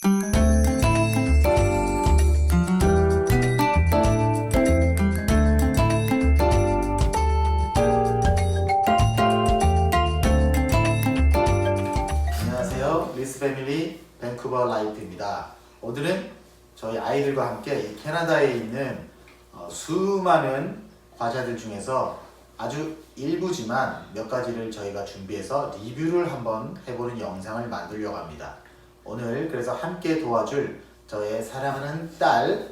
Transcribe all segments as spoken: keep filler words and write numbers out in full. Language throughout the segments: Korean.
안녕하세요. 리스 패밀리 밴쿠버 라이프입니다. 오늘은 저희 아이들과 함께 이 캐나다에 있는 어, 수많은 과자들 중에서 아주 일부지만 몇 가지를 저희가 준비해서 리뷰를 한번 해보는 영상을 만들려고 합니다. 오늘 그래서 함께 도와줄 저의 사랑하는 딸,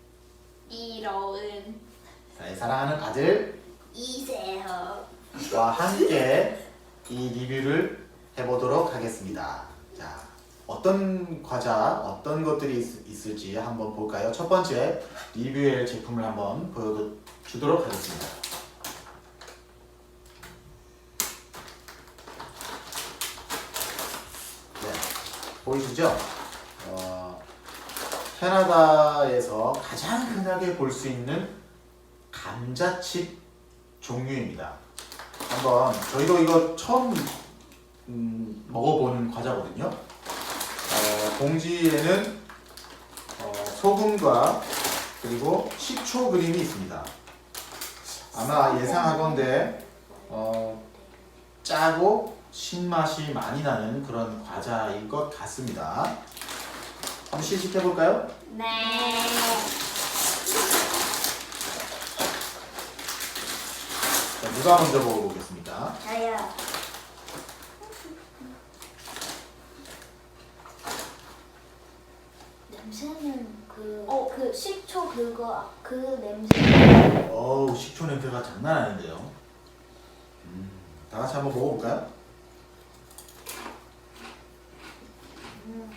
이러은 저의 사랑하는 아들과 이세허 함께 이 리뷰를 해보도록 하겠습니다. 자, 어떤 과자, 어떤 것들이 있, 있을지 한번 볼까요? 첫 번째 리뷰의 제품을 한번 보여주도록 하겠습니다. 네, 보이시죠? 어, 캐나다에서 가장 흔하게 볼 수 있는 감자칩 종류입니다. 한번 저희도 이거 처음 음, 먹어보는 과자거든요. 어, 봉지에는 어, 소금과 그리고 식초 그림이 있습니다. 아마 예상하건대 어, 짜고 신맛이 많이 나는 그런 과자인 것 같습니다. 한번 시식해 볼까요? 네. 자, 누가 먼저 먹어보겠습니까? 저요. 냄새는 그, 어. 그 식초 그거 그 냄새. 어우, 식초 냄새가 장난 아닌데요. 음, 다 같이 한번 먹어볼까요? 음.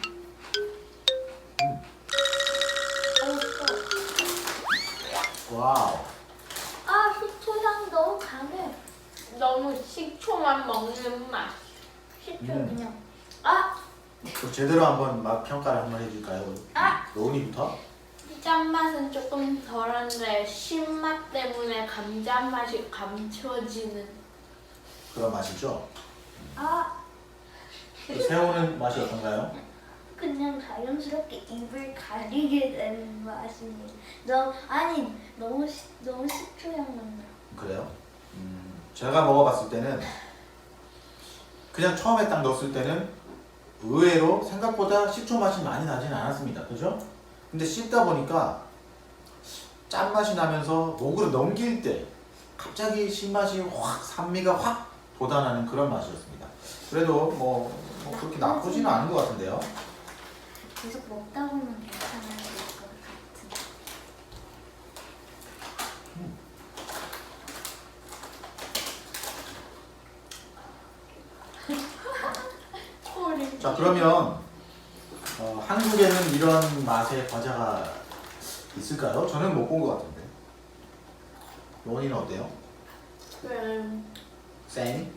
와우. 아 식초 향 너무 강해. 너무 식초만 먹는 맛. 식초 음. 그냥. 아 그럼 제대로 한번 맛 평가를 한번 해줄까요? 아! 로운이부터? 짠맛은 조금 덜한데 신맛 때문에 감자 맛이 감춰지는. 그런 맛이죠? 아 그 새우는 맛이 어떤가요? 그냥 자연스럽게 입을 가리게 되는 맛입니다. 너무 아니 너무 시, 너무 식초 향 난다. 그래요? 음, 제가 먹어봤을 때는 그냥 처음에 딱 넣었을 때는 의외로 생각보다 식초 맛이 많이 나진 않았습니다. 그죠? 근데 씹다 보니까 짠맛이 나면서 목으로 넘길 때 갑자기 신맛이 확, 산미가 확 돋아나는 그런 맛이었습니다. 그래도 뭐, 뭐 그렇게 나쁘지는 않은 것 같은데요. 계속 먹다 보면 괜찮아질 것 같은. 소리. 자, 그러면 어, 한국에는 이런 맛의 과자가 있을까요? 저는 못 본 것 같은데. 로니는 어때요? 음, same?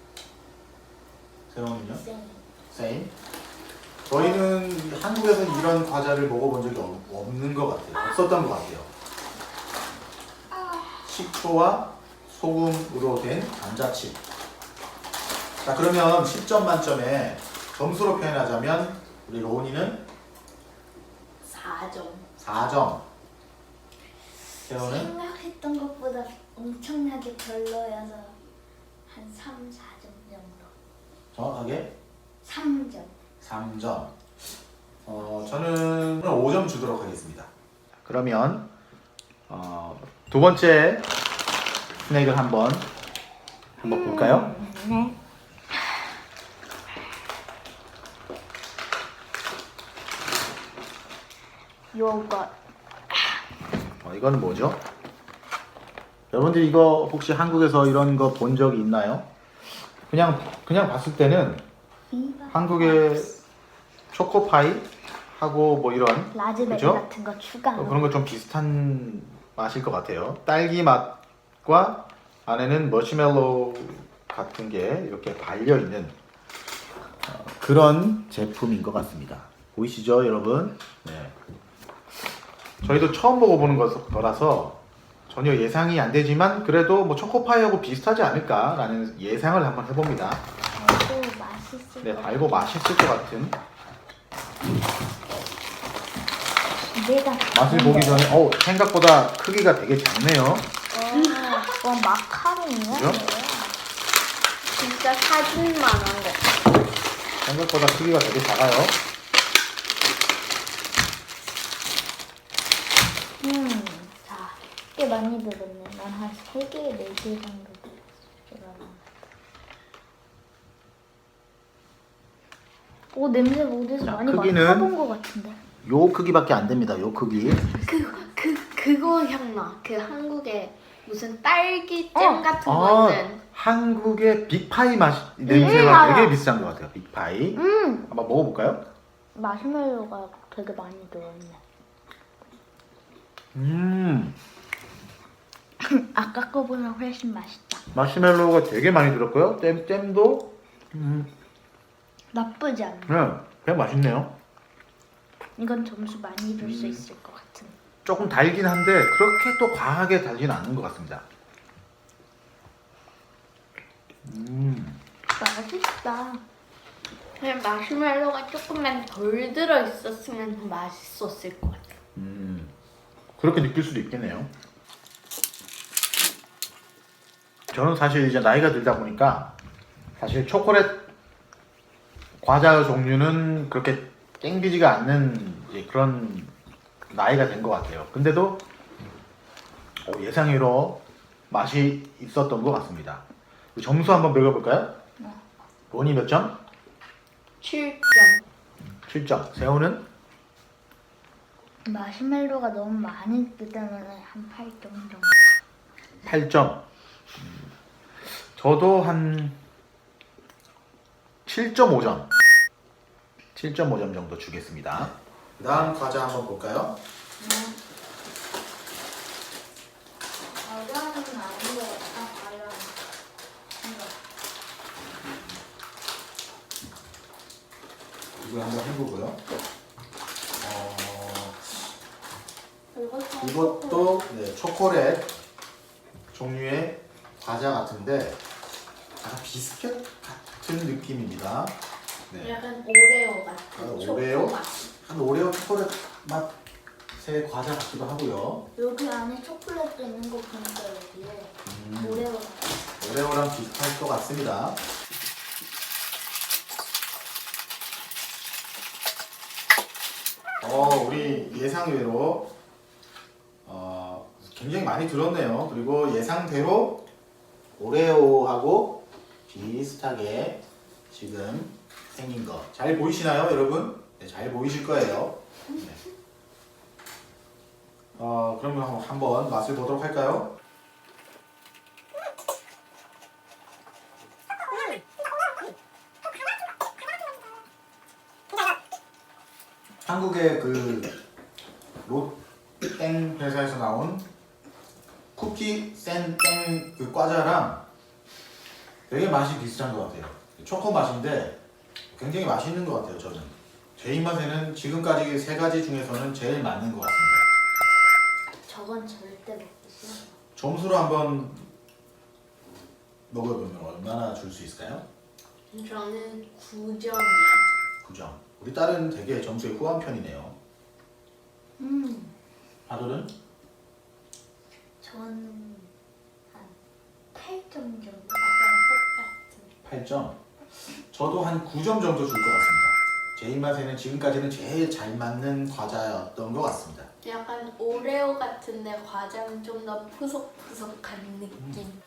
세롱은요? 쌩. same? 저희는 한국에서 이런 과자를 먹어본 적이 없, 없는 것 같아요. 없었던 것 같아요. 식초와 소금으로 된 감자칩. 자, 그러면 십 점 만점에 점수로 표현하자면 우리 로운이는 사 점. 사 점. 세롱은 생각했던 것보다 엄청나게 별로여서 한 삼, 사 점 정도. 정확하게 삼 점. 삼 점. 어, 저는 오 점 주도록 하겠습니다. 그러면 어, 두 번째 스낵을 한번 한번 볼까요? 네. 요거. 어, 이거는 뭐죠? 여러분들 이거 혹시 한국에서 이런 거 본 적이 있나요? 그냥 그냥 봤을 때는 한국의 초코파이 하고 뭐 이런 라즈베리 그죠? 같은 거 추가. 어, 그런 거 좀 비슷한 맛일 것 같아요. 딸기 맛과 안에는 머시멜로우 같은 게 이렇게 발려 있는 어, 그런 제품인 것 같습니다. 보이시죠, 여러분? 네. 저희도 처음 먹어보는 거라서 전혀 예상이 안 되지만 그래도 뭐 초코파이하고 비슷하지 않을까라는 예상을 한번 해봅니다. 달고 맛있을 네, 것 달고 맛있을 것 같은 내가 맛을 보기 전에 어 생각보다 크기가 되게 작네요. 와 마카롱이야? 그죠? 진짜 사진만 한 거. 생각보다 크기가 되게 작아요. 음, 자, 꽤 많이 들었네. 난 한 세 개, 네 개 정도 들었어. 오, 냄새 어디서 자, 많이 크기는- 맡아본 것 같은데. 요 크기밖에 안 됩니다. 요 크기. 그, 그, 그거 향나. 그 한국에 무슨 딸기잼 어. 같은 아, 거 있는. 한국의 빅파이 맛 냄새가 맞아. 되게 비슷한 것 같아요. 빅파이. 음, 한번 먹어볼까요? 마시멜로가 되게 많이 들어있네. 음, 아까 거보다 훨씬 맛있다. 마시멜로우가 되게 많이 들었고요. 잼 잼도 음, 나쁘지 않아. 네, 그냥 맛있네요. 이건 점수 많이 줄 수 음. 있을 것 같은. 조금 달긴 한데 그렇게 또 과하게 달지는 않는 것 같습니다. 음, 맛있다. 그냥 마시멜로가 조금만 덜 들어있었으면 더 맛있었을 것 같아. 음, 그렇게 느낄 수도 있겠네요. 저는 사실 이제 나이가 들다 보니까 사실 초콜릿 과자 종류는 그렇게 땡기지가 않는 이제 그런 나이가 된 것 같아요. 근데도 어, 예상외로 맛이 있었던 것 같습니다. 점수 한번 매겨볼까요? 원이 몇 점? 칠 점. 칠 점. 세호는? 마시멜로가 너무 많이 있기 때문에 한 팔 점 정도. 팔 점. 음, 저도 한 칠 점 오 점. 칠 점 오 점 정도 주겠습니다. 그 다음 과자 한번 볼까요? 과자는 아닌 것 같다. 과자. 이거 한번 해보고요. 어, 이것도 이것도 네, 초콜릿 종류의 과자 같은데 약간 비스켓 같은 느낌입니다. 네. 약간 오레오 같은 아, 초코 오레오? 맛. 한 오레오 초콜릿 맛의 과자 같기도 하고요. 여기 안에 초콜릿도 있는 거 보니까 여기에 음, 오레오. 오레오랑 비슷할 것 같습니다. 어, 우리 예상외로 어, 굉장히 많이 들었네요. 그리고 예상대로 오레오하고 비슷하게 지금 생긴 거 잘 보이시나요, 여러분? 네, 잘 보이실 거예요. 네. 어, 그러면 한번 맛을 보도록 할까요? 한국의 그 롯땡 회사에서 나온 쿠키 센땡 그 과자랑 되게 맛이 비슷한 것 같아요. 초코 맛인데 굉장히 맛있는 것 같아요. 저는 제 입맛에는 지금까지 세 가지 중에서는 제일 맞는 것 같습니다. 저건 절대 먹기 싫어. 점수로 한번 먹어보면 얼마나 줄 수 있을까요? 저는 구 점이요. 구 점. 우리 딸은 되게 점수에 후한 편이네요. 음, 하루는 저는 한 팔 점 정도. 아까 팔 점. 저도 한 구 점 정도 줄 것 같습니다. 제 입맛에는 지금까지는 제일 잘 맞는 과자였던 것 같습니다. 약간 오레오 같은데 과자는 좀 더 푸석푸석한 느낌.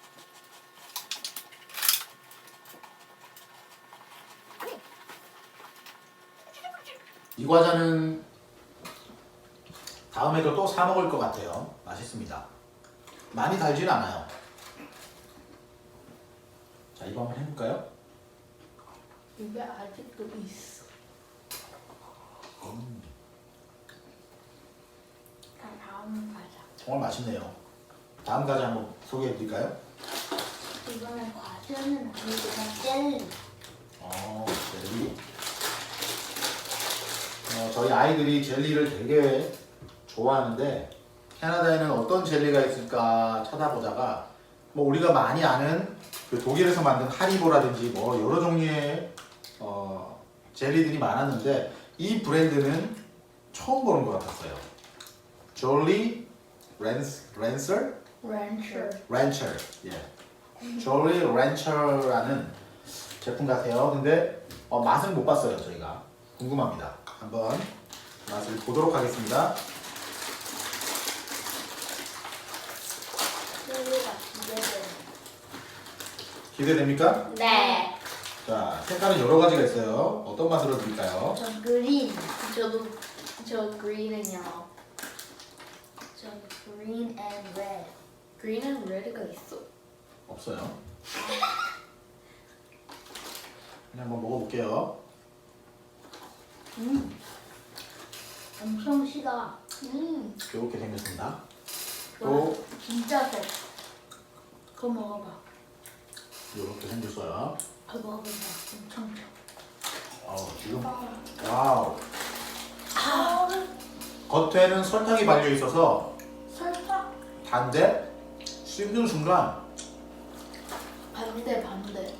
이 과자는 다음에도 또 사 먹을 것 같아요. 맛있습니다. 많이 달진 않아요. 자, 이거 한번 해볼까요? 이게 아직도 있어. 음, 자, 다음 과자. 정말 맛있네요. 다음 과자 한번 소개해드릴까요? 이거는 과자는 아니고 그냥 젤리. 어, 젤리. 어, 저희 아이들이 젤리를 되게 좋아하는데 캐나다에는 어떤 젤리가 있을까 찾아보다가 뭐 우리가 많이 아는 그 독일에서 만든 하리보라든지 뭐 여러 종류의 어, 젤리들이 많았는데 이 브랜드는 처음 보는 것 같았어요. Jolly Ranch, Rancher? 렌처. Rancher. 예. Jolly Rancher라는 제품 같아요. 근데 어, 맛은 못 봤어요, 저희가. 궁금합니다. 한번 맛을 보도록 하겠습니다. 소리가 기대되는. 기대됩니까? 네. 자, 색깔은 여러 가지가 있어요. 어떤 맛으로 드릴까요? 전 그린. 저도 저 green은요. 전 green and red. green은 red가 있어. 없어요. 그냥 한번 먹어볼게요. 음. 엄청 시다. 음. 이렇게 생겼습니다. 또 진짜 세. 그거 먹어봐. 이렇게 생겼어요. 그거 먹어봐. 엄청 세. 어, 지금 와우. 겉에는 설탕이 발려 있어서 설탕? 단데 씹는 순간 반대 반대.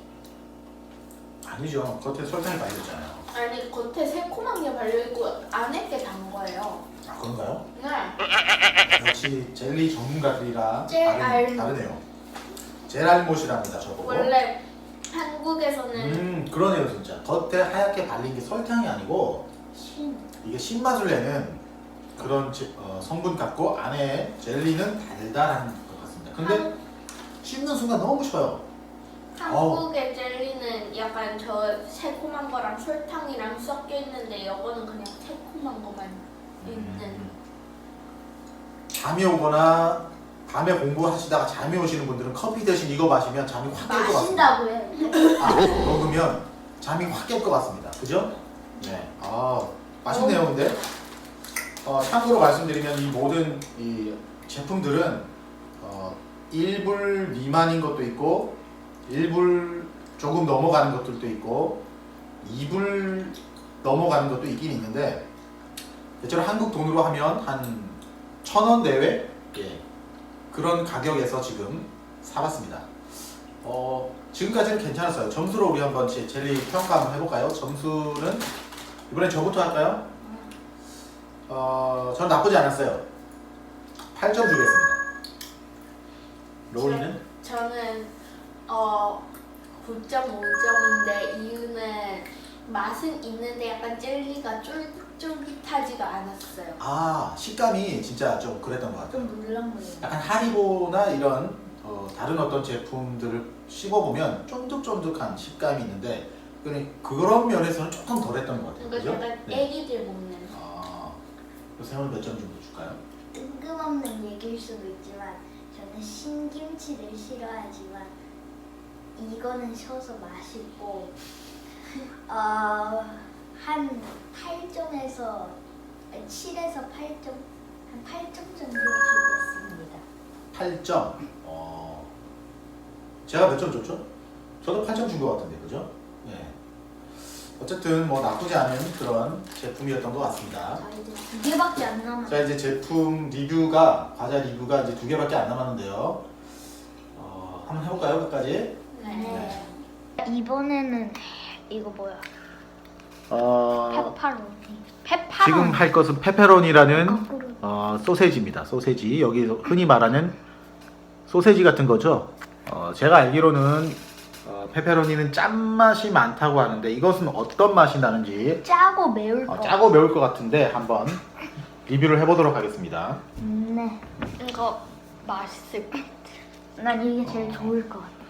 아니죠. 겉에 설탕이 발려 있잖아요. 아니 겉에 새콤한 게 발려 있고 안에 게 단 거예요. 아, 그런가요? 네. 역시 젤리 전문가들이라 젤 다른, 알못. 다르네요. 젤알못이랍니다, 저거. 원래 한국에서는 음, 그러네요, 진짜. 겉에 하얗게 발린 게 설탕이 아니고 신. 이게 신맛을 내는 그런 제- 어, 성분 같고 안에 젤리는 달달한 것 같습니다. 근데 한, 씹는 순간 너무 쉬워요. 한국의 젤리는 약간 저 새콤한 거랑 설탕이랑 섞여 있는데 이거는 그냥 새콤한 것만 있는. 음. 잠이 오거나 밤에 공부하시다가 잠이 오시는 분들은 커피 대신 이거 마시면 잠이 확 깰 것 같습니다. 마신다고 해. 아, 먹으면 잠이 확 깰 것 같습니다. 그죠? 네. 아, 맛있네요, 근데. 어, 참고로 말씀드리면 이 모든 이 제품들은 어, 일 불 미만인 것도 있고 일 불 조금 넘어가는 것들도 있고 이 불 넘어가는 것도 있긴 있는데 대체로 한국 돈으로 하면 한 천 원 내외? 예. 그런 가격에서 지금 사봤습니다. 어, 지금까지는 괜찮았어요. 점수로 우리 한번 제- 젤리 평가 한번 해볼까요? 점수는 이번엔 저부터 할까요? 어, 저는 나쁘지 않았어요. 팔 점 주겠습니다. 로우리는? 저는 어 구 점 오 점인데 이유는 맛은 있는데 약간 젤리가 쫄깃쫄깃하지가 않았어요. 아, 식감이 진짜 좀 그랬던 것 같아요. 좀 물렁물렁. 약간 하리보나 이런 어, 다른 어떤 제품들을 씹어보면 쫀득쫀득한 식감이 있는데 그냥 그런 면에서는 조금 덜했던 것 같아요. 그러니까 그죠? 약간 네. 애기들 먹는. 아, 그래서 형은 몇 점 정도 줄까요? 뜬금없는 얘기일 수도 있지만 저는 신김치를 싫어하지만 이거는 셔서 맛있고 어, 한 팔 점에서 칠에서 팔 점 한 팔 점 정도 주겠습니다. 팔 점. 어, 제가 몇 점 줬죠? 저도 팔 점 준 것 같은데, 그죠? 예. 어쨌든 뭐 나쁘지 않은 그런 제품이었던 것 같습니다. 자 이제 두 개밖에 안 남았. 자, 이제 제품 리뷰가 과자 리뷰가 이제 두 개밖에 안 남았는데요. 어, 한번 해볼까요, 끝까지? 네. 이번에는 이거 뭐야? 어, 페파로니. 페파로니. 지금 할 것은 페페로니라는 거꾸로. 어, 소세지입니다. 소세지. 여기 흔히 말하는 소세지 같은 거죠. 어, 제가 알기로는 어, 페페로니는 짠맛이 많다고 하는데 이것은 어떤 맛이 나는지 짜고 매울 거. 어, 짜고 매울 것 같은데 한번 리뷰를 해보도록 하겠습니다. 음, 네. 이거 맛있을 것 같아. 난 이게 제일 좋을 것 같아.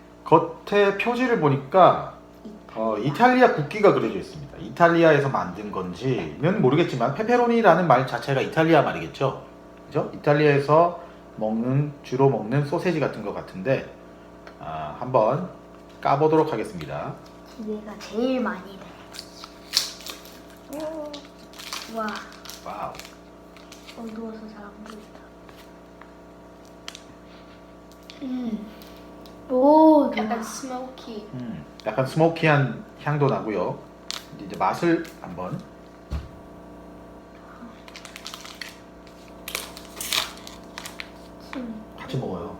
겉에 표지를 보니까 어, 이탈리아 국기가 그려져 있습니다. 이탈리아에서 만든 건지는 모르겠지만 페페로니라는 말 자체가 이탈리아 말이겠죠. 그죠? 이탈리아에서 먹는 주로 먹는 소세지 같은 것 같은데 아, 한번 까보도록 하겠습니다. 기대가 제일 많이 돼. 오. 와, 와우. 어두워서 잘 안 보인다. 음. 오, 약간 스모키. 음, 약간 스모키한 향도 나고요. 이제 맛을 한번 같이 먹어요.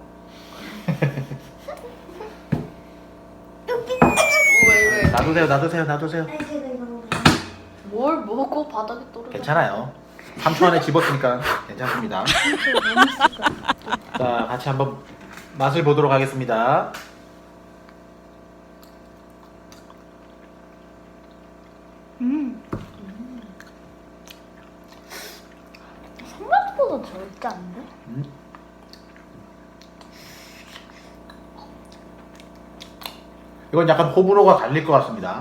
왜 왜? 놔두세요, 놔두세요, 놔두세요. 아니 제가 이거 먹어. 뭘 먹고 바닥에 떨어져? 괜찮아요. 삼 초 안에 집었으니까 괜찮습니다. 자, 같이 한번 맛을 보도록 하겠습니다. 음. 생각보다 덜 짠데? 음. 이건 약간 호불호가 갈릴 것 같습니다.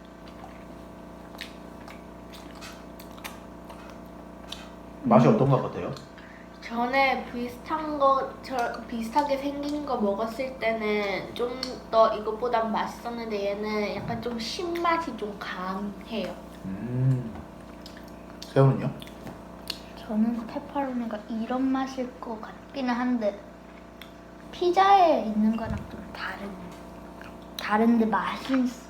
맛이 어떤 것 같아요? 전에 비슷한 거, 저 비슷하게 생긴 거 먹었을 때는 좀 더 이것보다 맛있었는데 얘는 약간 좀 신맛이 좀 강해요. 음. 새우는요? 저는 페퍼로니가 이런 맛일 것 같기는 한데 피자에 있는 거랑 좀 다른 다른데 맛은 있어.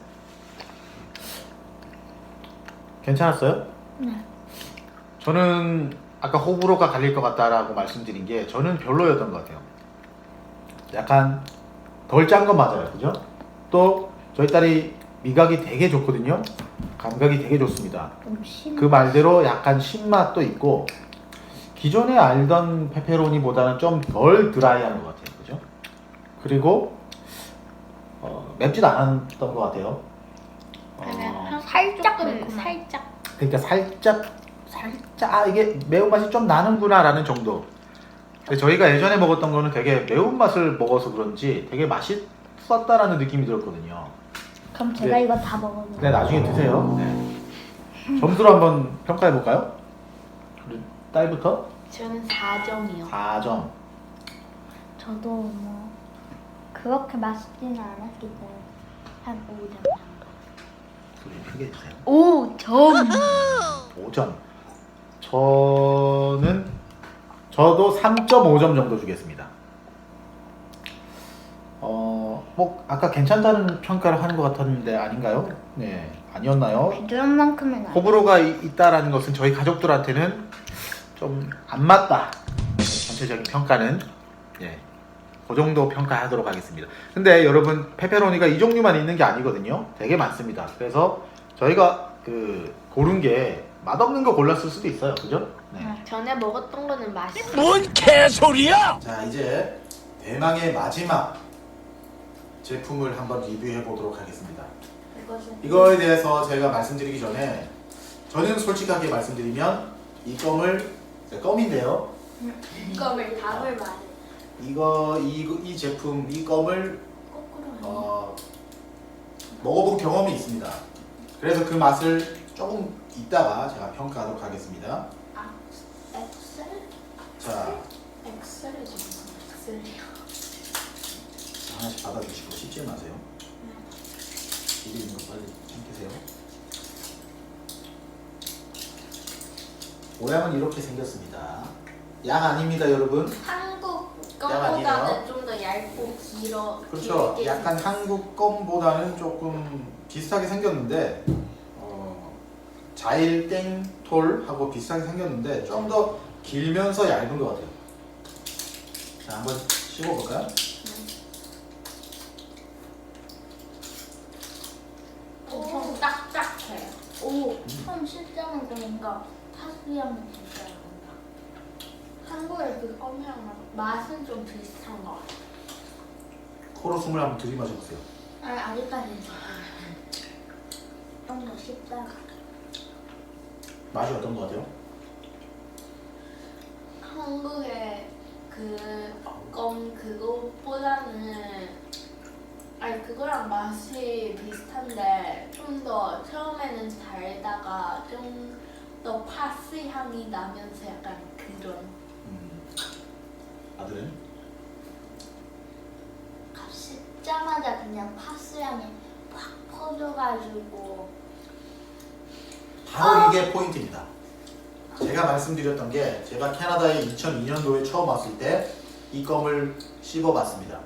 괜찮았어요? 네. 저는 아까 호불호가 갈릴 것 같다라고 말씀드린 게 저는 별로였던 것 같아요. 약간 덜 짠 건 맞아요, 그죠? 또 저희 딸이 미각이 되게 좋거든요. 감각이 되게 좋습니다. 좀 신. 그 말대로 약간 신맛도 있고 기존에 알던 페페로니보다는 좀 덜 드라이한 것 같아요, 그죠? 그리고 어, 맵지도 않았던 것 같아요. 그냥 어, 한 살짝 조금 매콤한. 살짝. 그러니까 살짝 살짝 아 이게 매운맛이 좀 나는구나라는 정도. 근데 저희가 예전에 먹었던 거는 되게 매운맛을 먹어서 그런지 되게 맛있었다라는 느낌이 들었거든요. 그럼 제가 네. 이거 다 먹어볼게요. 네, 나중에 드세요. 네. 점수로 한번 평가해 볼까요? 우리 딸부터 저는 사 점이요. 사 점. 저도 뭐 그렇게 맛있지는 않았기 때문에 한 오 점 정도. 소리 크게 주세요. 오 점. 오 점. 저는 저도 삼 점 오 점 정도 주겠습니다. 어, 뭐 아까 괜찮다는 평가를 하는 것 같았는데 아닌가요? 네, 아니었나요? 비주얼 만큼은 아니. 호불호가 이- 있다라는 것은 저희 가족들한테는 좀 안 맞다. 전체적인 평가는 예, 그 정도 평가하도록 하겠습니다. 근데 여러분 페페로니가 이 종류만 있는 게 아니거든요. 되게 많습니다. 그래서 저희가 그 고른 게 맛없는 거 골랐을 수도 있어요. 그죠? 네. 전에 먹었던 거는 맛있어요. 뭔 개소리야! 자, 이제 대망의 마지막 제품을 한번 리뷰해 보도록 하겠습니다. 이것은 이거에 대해서 제가 말씀드리기 전에 저는 솔직하게 말씀드리면 이 껌을 네, 껌인데요. 껌을 답을 말해. 이거 이, 이 제품 이 껌을 거꾸로. 어, 먹어본 경험이 있습니다. 그래서 그 맛을 조금 이따가 제가 평가하도록 하겠습니다. 아, 엑셀? 자, 엑셀이 좀 엑셀이요. 하나씩 받아주시고 씹지 마세요. 입에 있는 거 빨리 삼키세요. 모양은 이렇게 생겼습니다. 양 아닙니다, 여러분. 한국 양 아니에요? 거보다는 좀 더 얇고 길어. 그렇죠. 길게 약간 생겼어요. 한국 껌보다는 조금 비슷하게 생겼는데 어, 자일 땡톨하고 비슷하게 생겼는데 좀 더 길면서 얇은 것 같아요. 자, 한번 씹어볼까요? 엄청 딱딱해요. 오, 처음 실제는 그러니까 파스리하면 진짜 나온다. 한국의 그 껌이랑 맛은 좀 비슷한 것 같아요. 코로 숨을 한번 들이마셔보세요. 아, 아직까지는 좀더 씹다가. 맛이 어떤 것 같아요? 한국의 그 껌 그거보다는 아니 그거랑 맛이 비슷한데 좀 더 처음에는 달다가 좀 더 파스 향이 나면서 약간 그런 음, 아들은? 씹자마자 그냥 파스향이 확 퍼져가지고 바로 이게 포인트입니다. 제가 말씀드렸던 게 제가 캐나다에 이천이 년도에 처음 왔을 때 이 껌을 씹어봤습니다.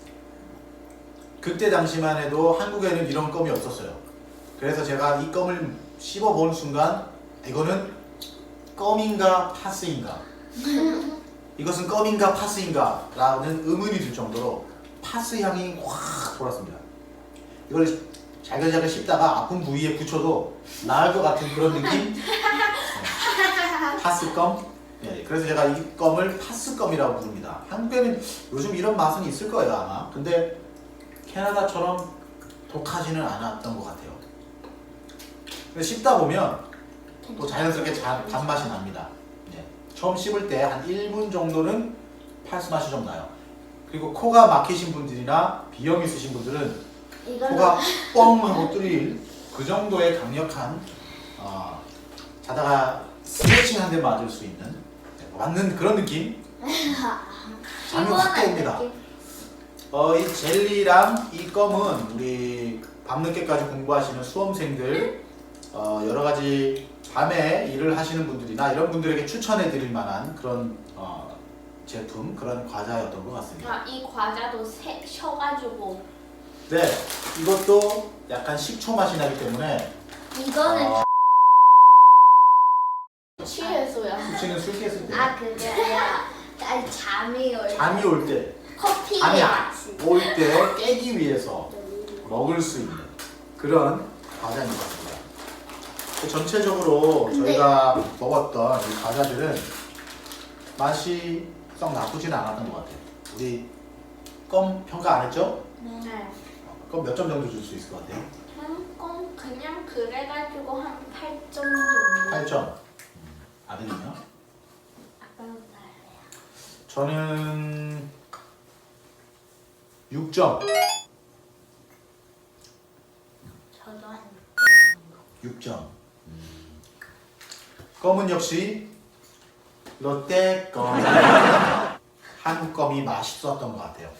그때 당시만 해도 한국에는 이런 껌이 없었어요. 그래서 제가 이 껌을 씹어본 순간 이거는 껌인가 파스인가 이것은 껌인가 파스인가 라는 의문이 들 정도로 파스 향이 확 돌았습니다. 이걸 잘글잘글 씹다가 아픈 부위에 붙여도 나을 것 같은 그런 느낌? 네. 파스껌. 예, 그래서 제가 이 껌을 파스껌이라고 부릅니다. 한국에는 요즘 이런 맛은 있을 거예요 아마. 근데 캐나다처럼 독하지는 않았던 것 같아요. 근데 씹다 보면 또 자연스럽게 자, 단맛이 납니다. 예, 처음 씹을 때 한 일 분 정도는 파스 맛이 좀 나요. 그리고 코가 막히신 분들이나 비염 있으신 분들은 이거는 코가 뻥 하고 뚫릴 그 정도의 강력한 어, 자다가 스트레칭 한 대 맞을 수 있는 네, 맞는 그런 느낌. 잠이 확 깨옵니다. 어, 이 젤리랑 이 껌은 우리 밤늦게까지 공부하시는 수험생들 어, 여러 가지 밤에 일을 하시는 분들이나 이런 분들에게 추천해 드릴 만한 그런 어, 제품, 그런 과자였던 것 같습니다. 아, 이 과자도 세, 셔가지고 네, 이것도 약간 식초 맛이 나기 때문에 이거는 어, 취해서야. 수치는 술 깼을 때 아 그게 아니라 아니 잠이 올 잠이 올 때, 커피에 잠이 같이. 올 때 깨기 위해서 먹을 수 있는 그런 과자인 것 같습니다. 전체적으로 근데- 저희가 먹었던 이 과자들은 맛이 썩 나쁘지는 않았던 것 같아요. 우리 껌 평가 안 했죠? 네. 껌 몇 점 정도 줄 수 있을 것 같아요? 한건 그냥 그래가지고 한 팔 점 정도. 팔 점. 아들은요? 아빠는 달래요. 저는 육 점. 저도 한 육 점. 껌은 역시 롯데 껌. 한국 껌이 맛있었던 것 같아요.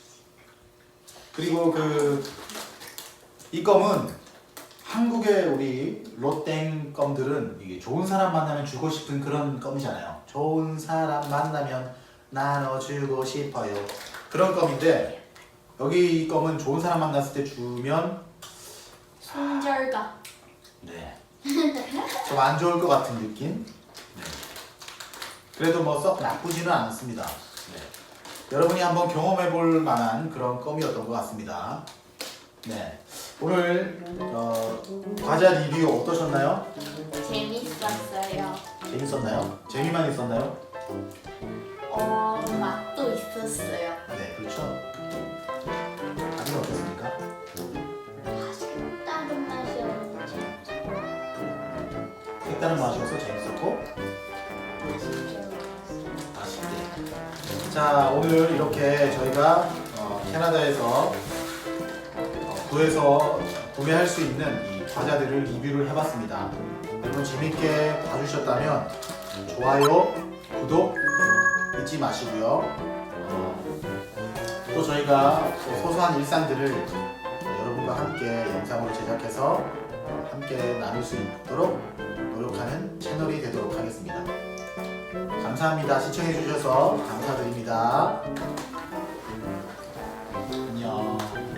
그리고 그 이 껌은 한국의 우리 롯땡 껌들은 이게 좋은 사람 만나면 주고 싶은 그런 껌이잖아요. 좋은 사람 만나면 나눠주고 싶어요. 그런 껌인데 여기 이 껌은 좋은 사람 만났을 때 주면 손절가. 네. 좀 안 좋을 것 같은 느낌? 네. 그래도 뭐 썩 나쁘지는 않습니다. 네. 여러분이 한번 경험해 볼 만한 그런 껌이었던 것 같습니다. 네. 오늘 어, 과자 리뷰 어떠셨나요? 재밌었어요. 재밌었나요? 재미만 있었나요? 어, 맛도 있었어요. 네, 그렇죠. 아직 어떻습니까? 다른 맛이었는지 색다른 맛이어서 재밌었고 맛있게 먹었어요. 맛있게. 자, 오늘 이렇게 저희가 어, 캐나다에서 어, 구해서 구매할 수 있는 이 과자들을 리뷰를 해봤습니다. 여러분 재밌게 봐주셨다면 좋아요, 구독 잊지 마시고요. 어, 또 저희가 또 소소한 일상들을 여러분과 함께 영상으로 제작해서 어, 함께 나눌 수 있도록 노력하는 채널이 되도록 하겠습니다. 감사합니다. 시청해주셔서 감사드립니다. 안녕.